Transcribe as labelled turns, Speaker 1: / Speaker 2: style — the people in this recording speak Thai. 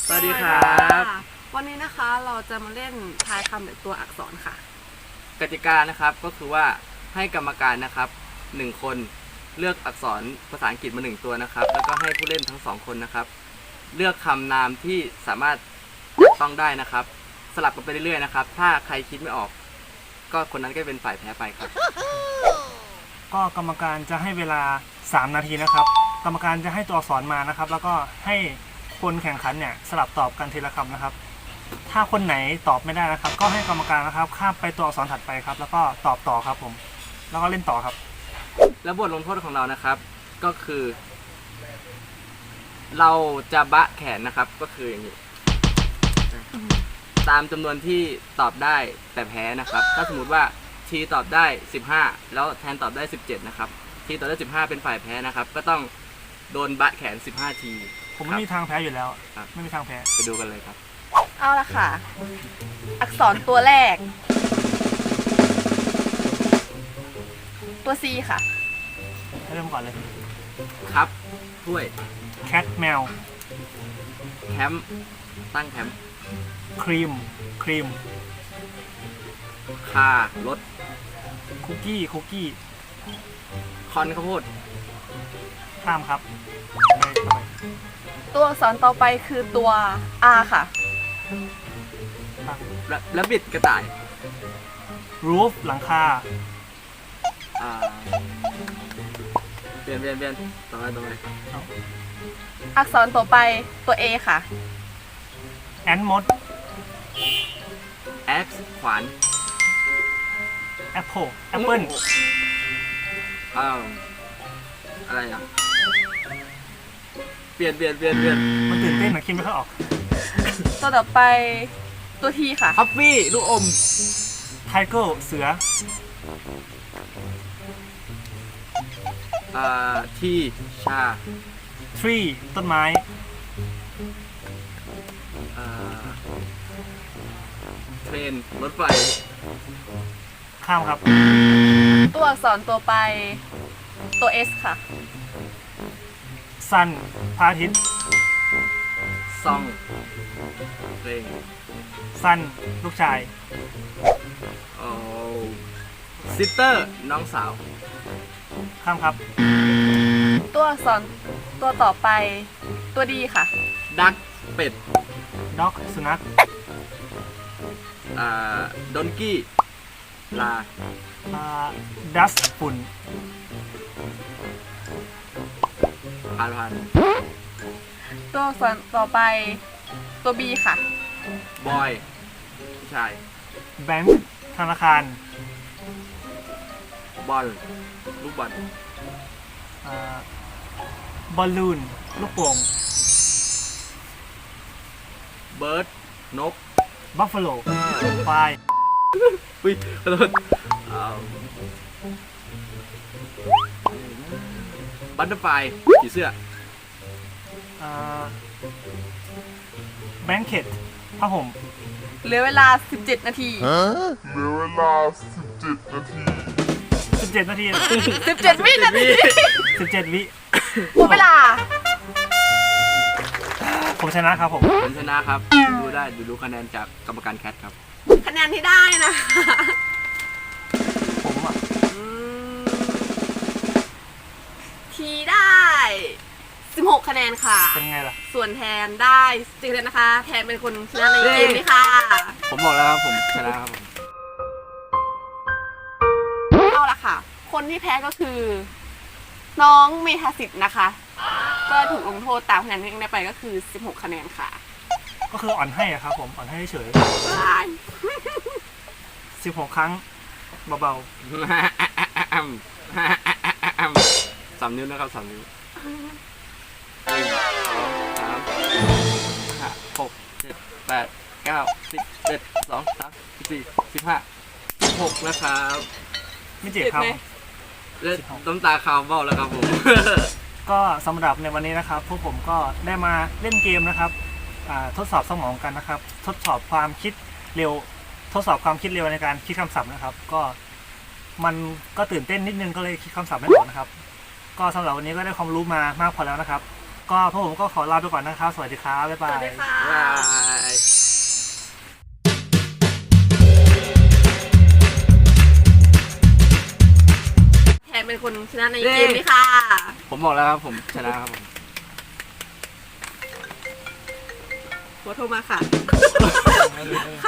Speaker 1: สวัสดีครับ
Speaker 2: วันนี้นะคะเราจะมาเล่นทายคำแบบตัวอักษรค่ะ
Speaker 1: กติกานะครับก็คือว่าให้กรรมการนะครับ1คนเลือกอักษรภาษาอังกฤษมา1ตัวนะครับแล้วก็ให้ผู้เล่นทั้ง2คนนะครับเลือกคำนามที่สามารถจับต้องได้นะครับสลับกันไปเรื่อยๆนะครับถ้าใครคิดไม่ออกก็คนนั้นก็เป็นฝ่ายแพ้ไปครับ
Speaker 3: ก็กรรมการจะให้เวลา3นาทีนะครับกรรมการจะให้ตัวอักษรมานะครับ แล้วก็ให้คนแข่งขันเนี่ยสลับตอบกันทีละคำนะครับถ้าคนไหนตอบไม่ได้นะครับก็ให้กรรมการนะครับข้ามไปตัวอักษรถัดไปครับแล้วก็ตอบต่อครับผมแล้วก็เล่นต่อครับ
Speaker 1: แล้วบทลงโทษของเรานะครับก็คือ เราจะบะแขนนะครับก็คืออย่างนี้ตามจำนวนที่ตอบได้แต่แพ้นะครับถ้าสมมติว่าทีตอบได้15แล้วแทนตอบได้17นะครับทีตอบได้15เป็นฝ่ายแพ้นะครับก็ต้องโดนบะแขน15ที
Speaker 3: ผมไม่มีทางแพ้อยู่แล้ว
Speaker 1: ครับ
Speaker 3: ไม่มีทางแพ้
Speaker 1: ไปดูกันเลยครับ
Speaker 2: เอาละค่ะ อักษรตัวแรก ตัว C ค่ะ
Speaker 3: เริ่มก่อนเลย
Speaker 1: ครับถ้วย
Speaker 3: แคทแมว
Speaker 1: แคมป์ตั้งแคมป์
Speaker 3: ครีมครีม
Speaker 1: คารถ
Speaker 3: คุกกี้คุกกี้
Speaker 1: คอนข้าวโพด
Speaker 3: ข้ามครับไปต่อไป
Speaker 2: ตัวอักษรต่อไปคือตัว R ค่ะ
Speaker 3: ครับ
Speaker 1: และบิดกระต่าย
Speaker 3: รูฟหลังคา
Speaker 1: อ่าเปลี่ยนต่อไป
Speaker 2: อักษรต่อไปตัว A ค่ะ
Speaker 3: แอนมด
Speaker 1: แอคขวาน
Speaker 3: แอปเปิลแอปเปิล
Speaker 1: อ้าวอะไรอ่ะเปลี่ยน
Speaker 3: มันตื่นเต้นนะคิดไม่ค่อยออก
Speaker 2: ตัวต่อไปตัว T ค่ะ
Speaker 1: ฮัฟฟี่ลูกอม
Speaker 3: ไทเกอร์เสือ
Speaker 1: ทีชา
Speaker 3: ทรีต้นไม้
Speaker 1: เทรนรถไฟ
Speaker 3: ข้ามครับ
Speaker 2: ตัวอักษรตัวไปตัว S ค่ะ
Speaker 3: ซันพระอาทิตย์
Speaker 1: ซองเพลง
Speaker 3: ซันลูกชาย
Speaker 1: โอ้ซิสเตอร์น้องสาว
Speaker 3: ข้ามครับ
Speaker 2: ตัวอักษรตัวต่อไปตัว D ค่ะ
Speaker 1: ดักเป็ด
Speaker 3: ด็อกสุนัข
Speaker 1: ดอนกี้ลา
Speaker 3: ดัสฝุ่น
Speaker 1: ผ่าน
Speaker 2: ตัวอักษรต่อไปตัว B ค่ะ
Speaker 1: บอยผู้ชาย
Speaker 3: แบงค์ธนาคาร
Speaker 1: บอลลูกบอล
Speaker 3: บอลลูนลูกโป่ง
Speaker 1: เบิร์ดนก
Speaker 3: บัฟฟาโลควาย
Speaker 1: อุ้ยขอโทษบัตเตอร์ไฟผีเสื้อ
Speaker 3: แบงเค็ตผ้าห่ม
Speaker 2: เหลือเวลา17นาที
Speaker 4: เหลือเวลา17 นาที
Speaker 3: 17 นาที
Speaker 2: 17 วินาที
Speaker 3: 17 วิ
Speaker 2: หมดเวลา
Speaker 3: ผมชนะครับผม
Speaker 1: ผมชนะครับดูคะแนนจากกรรมการแคทครับ
Speaker 2: คะแนนที่ได้นะ
Speaker 3: ผมอ่ะ
Speaker 2: ทีได้16คะแนนค่ะ
Speaker 3: เป็นไงล่ะ
Speaker 2: ส่วนแทนได้10คะแนนนะคะ แทนเป็นคนชนะในเกมนี้ค่ะ
Speaker 1: ผมบอกแล้วครับผมชนะครับผม
Speaker 2: เอาละค่ะ คนที่แพ้ก็คือ น้องเมธาสิทธิ์นะคะ ก็ถูกลงโทษตามคะแนนที่ได้ไปก็คือ16คะแนนค่ะ
Speaker 3: ก็คืออ่อนให้อะครับผมอ่อนให้เฉย16 ครั้งเบา
Speaker 1: 3 นิ้วนะครับ3 นิ้ว1 2 3 4 5 6 7 8 9 10 11 12 13 14 15 16นะครับ
Speaker 3: ๆไม่เจ็บครับ
Speaker 1: และน้ำตาคาวเบ้าแล้วครับผม
Speaker 3: ก็สำหรับในวันนี้นะครับพวกผมก็ได้มาเล่นเกมนะครับทดสอบสมองกันนะครับ ทดสอบความคิดเร็ว ทดสอบความคิดเร็วในการคิดคำศัพท์นะครับ ก็มันก็ตื่นเต้นนิดนึงก็เลยคิดคำศัพท์ไม่ออกนะครับ ก็สำหรับวันนี้ก็ได้ความรู้มามากพอแล้วนะครับก็พวกผมก็ขอลาไปก่อนนะครับสวัสดีครับบ๊าย
Speaker 2: ส
Speaker 3: บา
Speaker 2: วัส
Speaker 3: ย
Speaker 2: ดีค่ะ
Speaker 1: บ๊ายบาย
Speaker 2: แทนเป็นคนชนะในเกมนี้ค่ะ
Speaker 1: ผมบอกแล้วครับผมชนะครับผม
Speaker 2: หัวโทรมาค่ะ